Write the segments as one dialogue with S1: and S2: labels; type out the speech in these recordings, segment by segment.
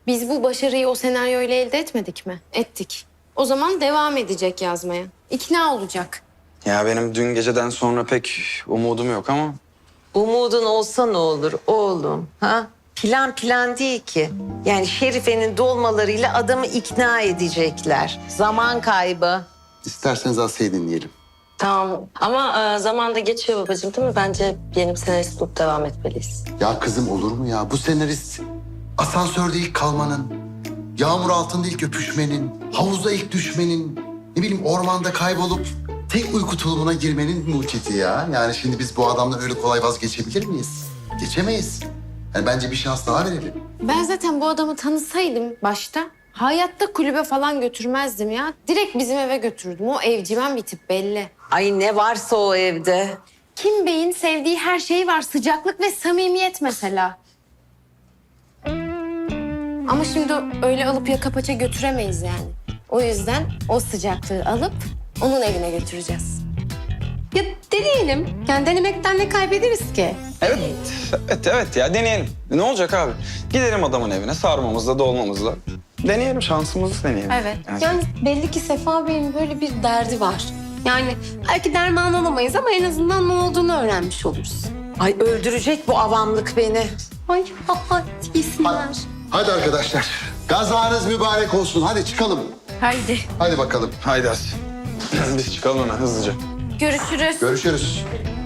S1: Biz bu başarıyı o senaryoyla elde etmedik mi? Ettik. O zaman devam edecek yazmaya. İkna olacak.
S2: Ya benim dün geceden sonra pek umudum yok ama...
S3: Umudun olsa ne olur oğlum? Ha? Plan plan değil ki. Yani Şerife'nin dolmalarıyla adamı ikna edecekler. Zaman kaybı.
S4: İsterseniz Asya'yı dinleyelim.
S5: Tamam ama zaman da geçiyor babacığım değil mi? Bence yeni bir senarist bulup devam etmeliyiz.
S4: Ya kızım olur mu ya? Bu senarist asansörde ilk kalmanın, yağmur altında ilk öpüşmenin, havuzda ilk düşmenin, ne bileyim ormanda kaybolup tek uyku tulumuna girmenin mucidi ya. Yani şimdi biz bu adamla öyle kolay vazgeçebilir miyiz? Geçemeyiz. Yani bence bir şans daha verelim.
S1: Ben zaten bu adamı tanısaydım başta hayatta kulübe falan götürmezdim ya. Direkt bizim eve götürdüm. O evcimen bir tip belli.
S3: Ay ne varsa o evde.
S1: Kim Bey'in sevdiği her şey var. Sıcaklık ve samimiyet mesela. Ama şimdi öyle alıp yaka paça götüremeyiz yani. O yüzden o sıcaklığı alıp onun evine götüreceğiz. Ya deneyelim. Yani denemekten ne kaybederiz ki?
S2: Evet ya deneyelim. Ne olacak abi? Gidelim adamın evine sarmamızla dolmamızla. Deneyelim şansımızı deneyelim.
S1: Evet. Yani belli ki Sefa Bey'in böyle bir derdi var. Yani belki derman alamayız ama en azından ne olduğunu öğrenmiş oluruz.
S3: Ay öldürecek bu avamlık beni.
S1: Ay yesinler.
S4: Hadi arkadaşlar. Gazanız mübarek olsun. Hadi çıkalım.
S1: Haydi.
S4: Hadi bakalım.
S2: Haydi Asya. Biz çıkalım hemen hızlıca.
S1: Görüşürüz.
S4: Görüşürüz.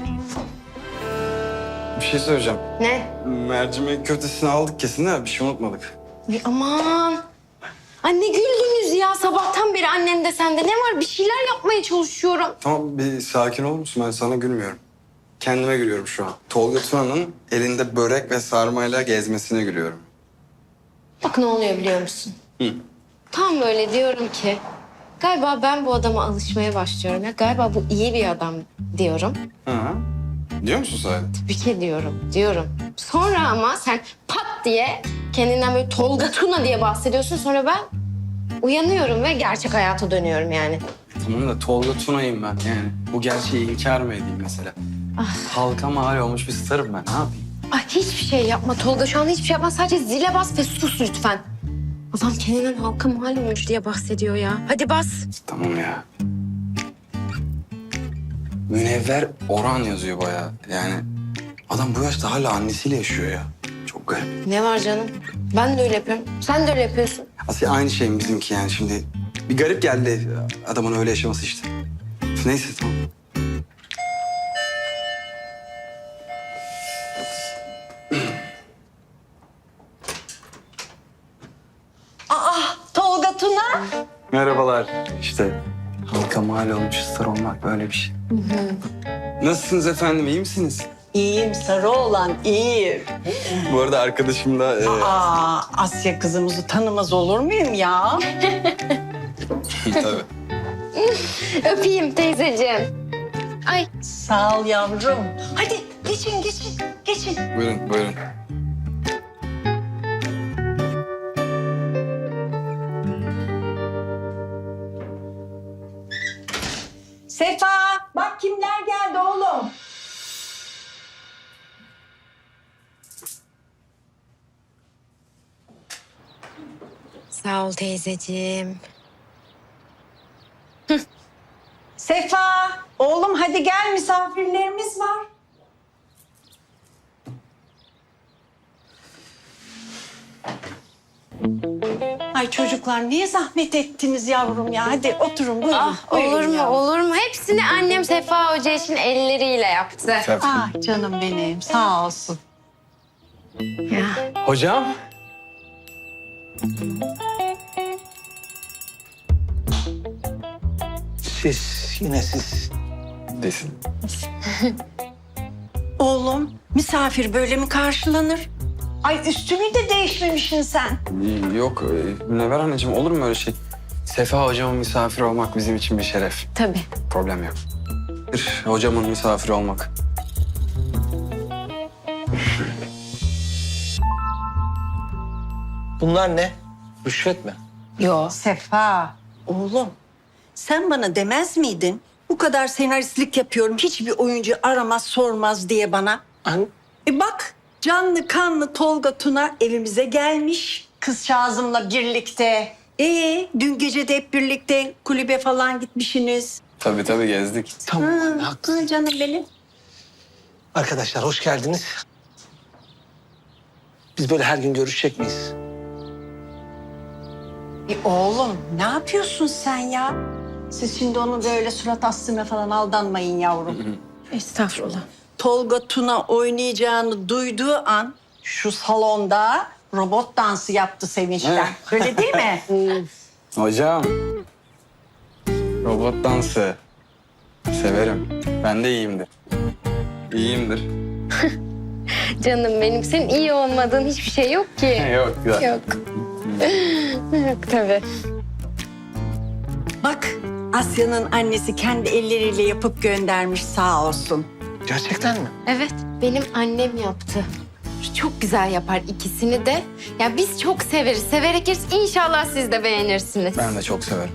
S2: Bir şey söyleyeceğim.
S1: Ne?
S2: Mercimek köftesini aldık kesin de bir şey unutmadık.
S1: Ay aman. Anne güldünüz ya. Sabahtan beri annen de sende. Ne var? Bir şeyler yapmaya çalışıyorum.
S2: Tamam bir sakin olur musun? Ben sana gülmüyorum. Kendime gülüyorum şu an. Tolga Tuna'nın elinde börek ve sarmayla gezmesine gülüyorum.
S1: Bak ne oluyor biliyor musun?
S2: Hı.
S1: Tam böyle diyorum ki galiba ben bu adama alışmaya başlıyorum ya. Galiba bu iyi bir adam diyorum.
S2: Hı. Diyor musun sen?
S1: Tabii ki diyorum. Sonra ama sen pat diye kendinden böyle Tolga Tuna diye bahsediyorsun. Sonra ben uyanıyorum ve gerçek hayata dönüyorum yani.
S2: Tamam da Tolga Tuna'yım ben yani. Bu gerçeği inkar mı edeyim mesela? Halka mal olmuş bir starım ben. Ne yapayım?
S1: Ay hiçbir şey yapma Tolga. Şu anda hiçbir şey yapma. Sadece zile bas ve sus lütfen. Adam kendinden halka mal olmuş diye bahsediyor ya. Hadi bas.
S2: Tamam ya. Münevver Orhan yazıyor bayağı. Yani adam bu yaşta hala annesiyle yaşıyor ya. Çok garip.
S1: Ne var canım? Ben de öyle yapıyorum. Sen de öyle yapıyorsun.
S2: Aslında aynı şey mi bizimki yani şimdi? Bir garip geldi adamın öyle yaşaması işte. Neyse tamam.
S3: Tolga Tuna.
S2: Merhabalar. İşte halka mal olmuş star olmak böyle bir şey. Nasılsınız efendim iyi misiniz?
S6: İyiyim sarı olan iyiyim.
S2: Bu arada arkadaşım da...
S6: Asya kızımızı tanımaz olur muyum ya?
S2: Tabii.
S1: Öpeyim teyzeciğim. Ay
S6: Sağ ol yavrum. Hadi geçin.
S2: Buyurun.
S6: Sefa bak kimler geldi oğlum.
S1: sağ ol teyzeciğim.
S6: Sefa oğlum hadi gel misafirlerimiz var. Ay çocuklar niye zahmet ettiniz yavrum ya? Hadi oturun buyurun.
S1: Olur
S6: buyurun
S1: mu
S6: yavrum.
S1: olur mu? Hepsini annem Sefa Hoca için elleriyle yaptı.
S6: Ah canım benim sağ olsun.
S1: Ya.
S2: Hocam.
S7: Yine siz.
S2: Desin.
S6: Oğlum misafir böyle mi karşılanır? Ay üstünü de değişmemişsin sen.
S2: Yok Münevver anneciğim olur mu öyle şey? Sefa hocamın misafiri olmak bizim için bir şeref.
S1: Tabii.
S2: Problem yok. Bir hocamın misafiri olmak.
S7: Bunlar ne? Rüşvet mi?
S6: Yo. Sefa, oğlum sen bana demez miydin? Bu kadar senaristlik yapıyorum, hiçbir oyuncu aramaz sormaz diye bana.
S7: An
S6: Bak canlı kanlı Tolga Tuna evimize gelmiş. kızcağızımla birlikte. Dün gece de hep birlikte kulübe falan gitmişsiniz.
S2: Tabii gezdik.
S7: Tamam, haklısın.
S6: Canım benim.
S7: Arkadaşlar hoş geldiniz. Biz böyle her gün görüşecek miyiz?
S6: Oğlum ne yapıyorsun sen ya? Siz şimdi onu böyle surat astığına falan aldanmayın yavrum.
S1: Estağfurullah.
S6: Tolga Tuna oynayacağını duyduğu an şu salonda robot dansı yaptı sevinçten. Öyle değil mi?
S2: Hocam. Robot dansı. Severim. Ben de iyiyimdir. İyiyimdir.
S1: Canım benim, senin iyi olmadığın hiçbir şey yok ki.
S2: Yok güzel.
S1: Yok. Yok tabii.
S6: Bak Asya'nın annesi kendi elleriyle yapıp göndermiş sağ olsun.
S7: Gerçekten mi?
S1: Evet, benim annem yaptı. Çok güzel yapar ikisini de. Ya biz çok severiz. Severek yeriz. İnşallah siz de beğenirsiniz.
S2: Ben de çok severim.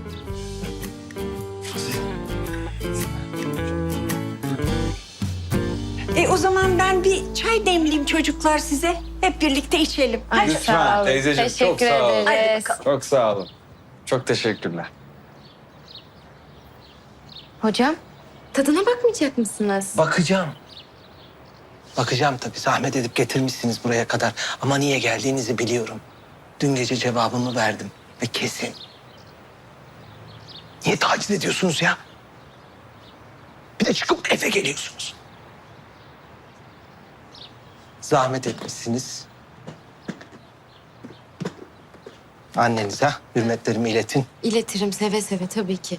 S6: O zaman ben bir çay demleyeyim çocuklar size. Hep birlikte içelim.
S1: Ay,
S2: Lütfen,
S1: sağ olun.
S2: teyzeciğim, çok
S1: Teşekkür
S2: sağ olun.
S1: ederiz.
S2: Çok sağ olun. Çok teşekkürler.
S1: Hocam, tadına bakmayacak mısınız?
S7: Bakacağım. Bakacağım tabii. Zahmet edip getirmişsiniz buraya kadar. Ama niye geldiğinizi biliyorum. Dün gece cevabımı verdim ve kesin. Niye taciz ediyorsunuz ya? Bir de çıkıp eve geliyorsunuz. Zahmet etmişsiniz. Annenize hürmetlerimi iletin.
S1: İletirim seve seve tabii ki.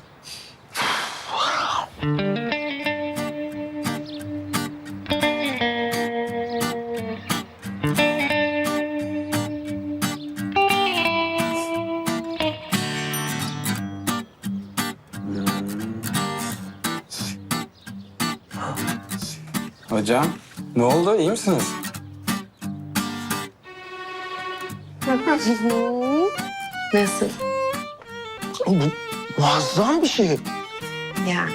S2: Hocam, ne oldu? İyi misiniz?
S1: Nasıl?
S7: Bu muazzam bir şey.
S1: Ya.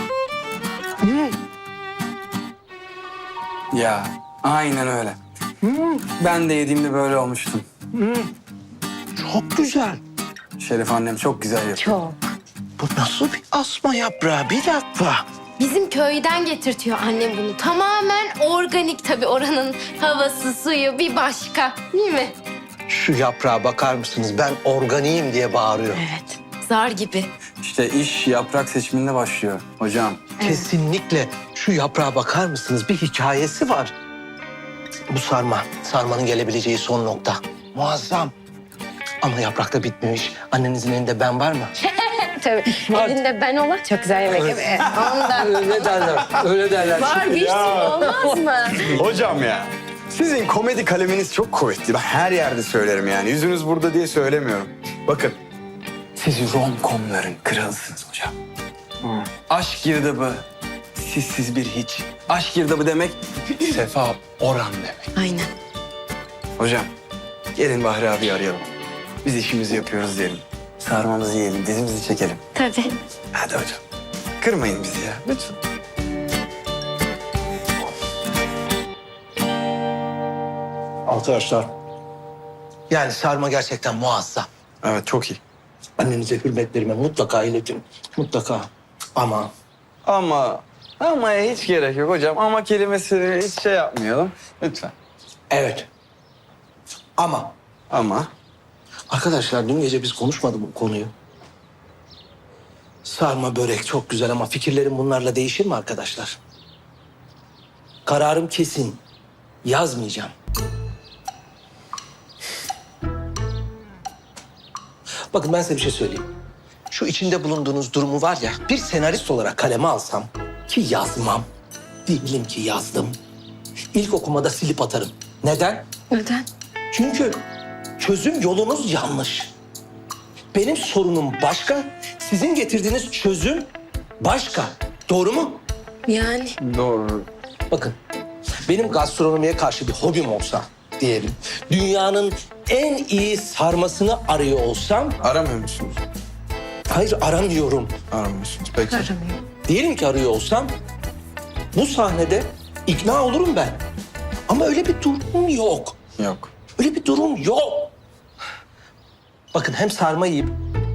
S2: Ya, aynen öyle. Ben de yediğimde böyle olmuştum.
S7: Çok güzel.
S2: Şerif annem çok güzel yapıyor.
S1: Çok.
S7: Bu nasıl bir asma yaprağı? Bir dakika.
S1: Bizim köyden getirtiyor annem bunu. Tamamen organik tabii, oranın havası, suyu bir başka. Değil mi?
S7: Şu yaprağa bakar mısınız? Ben organiyim diye bağırıyor.
S1: Evet. Zar gibi.
S2: İşte iş yaprak seçiminde başlıyor hocam.
S7: Kesinlikle şu yaprağa bakar mısınız? Bir hikayesi var. Bu sarma. Sarmanın gelebileceği son nokta. Muazzam. Ama yaprakta bitmemiş. Annenizin elinde ben var mı?
S1: Tabii. Elinde ben olan çok güzel yemek yapıyor. Ondan.
S7: Öyle derler. Öyle derler.
S1: Var bir sürü, olmaz mı?
S2: Hocam ya, sizin komedi kaleminiz çok kuvvetli. Ben her yerde söylerim yani. Yüzünüz burada diye söylemiyorum. Bakın, siz rom-com'ların kralısınız hocam. Aşk girdabı, sizsiz bir hiç. Aşk girdabı demek, Sefa Orhan demek.
S1: Aynen.
S2: Hocam, gelin Bahri abi arayalım. Biz işimizi yapıyoruz diyelim. Sarmamızı yiyelim, dizimizi çekelim.
S1: Tabii.
S2: Hadi hocam, kırmayın bizi ya, lütfen.
S7: Arkadaşlar. Yani sarma gerçekten muazzam.
S2: Evet, çok iyi.
S7: Annenize hürmetlerimi mutlaka iletin. Mutlaka. Ama
S2: Ama hiç gerek yok hocam. Ama kelimesini hiç şey yapmayalım. Lütfen.
S7: evet. Ama arkadaşlar dün gece biz konuşmadık bu konuyu. Sarma börek çok güzel ama fikirlerim bunlarla değişir mi arkadaşlar? Kararım kesin. Yazmayacağım. Bakın ben size bir şey söyleyeyim. Şu içinde bulunduğunuz durumu var ya, bir senarist olarak kaleme alsam ki yazmam. Diyelim ki yazdım. İlk okumada silip atarım. Neden?
S1: Neden?
S7: Çünkü çözüm yolunuz yanlış. Benim sorunum başka, sizin getirdiğiniz çözüm başka. Doğru mu?
S1: Yani.
S2: Doğru.
S7: Bakın, benim gastronomiye karşı bir hobim olsa diyelim, dünyanın en iyi sarmasını arıyor olsam,
S2: Aramıyor musunuz?
S7: hayır aramıyorum.
S2: Aramıyorsunuz. Peki.
S7: Diyelim ki arıyor olsam, bu sahnede ikna olurum ben. Ama öyle bir durum yok.
S2: Yok.
S7: Öyle bir durum yok. Bakın hem sarma yiyip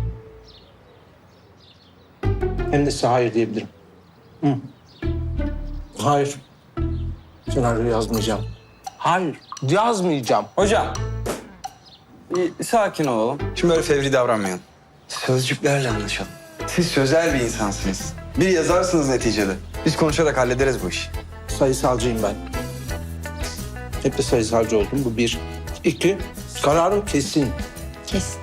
S7: hem de size hayır diyebilirim. Hı. Hayır. Senaryo yazmayacağım. Hayır, yazmayacağım.
S2: Hocam. Bir sakin olalım. Şimdi böyle fevri davranmayalım. Sözcüklerle anlaşalım. Siz sözel bir insansınız. Bir yazarsınız neticede. Biz konuşarak hallederiz bu işi.
S7: Sayısalcıyım ben. Hep de sayısalcı oldum. Bu bir. İki, kararım kesin.
S1: Kesin.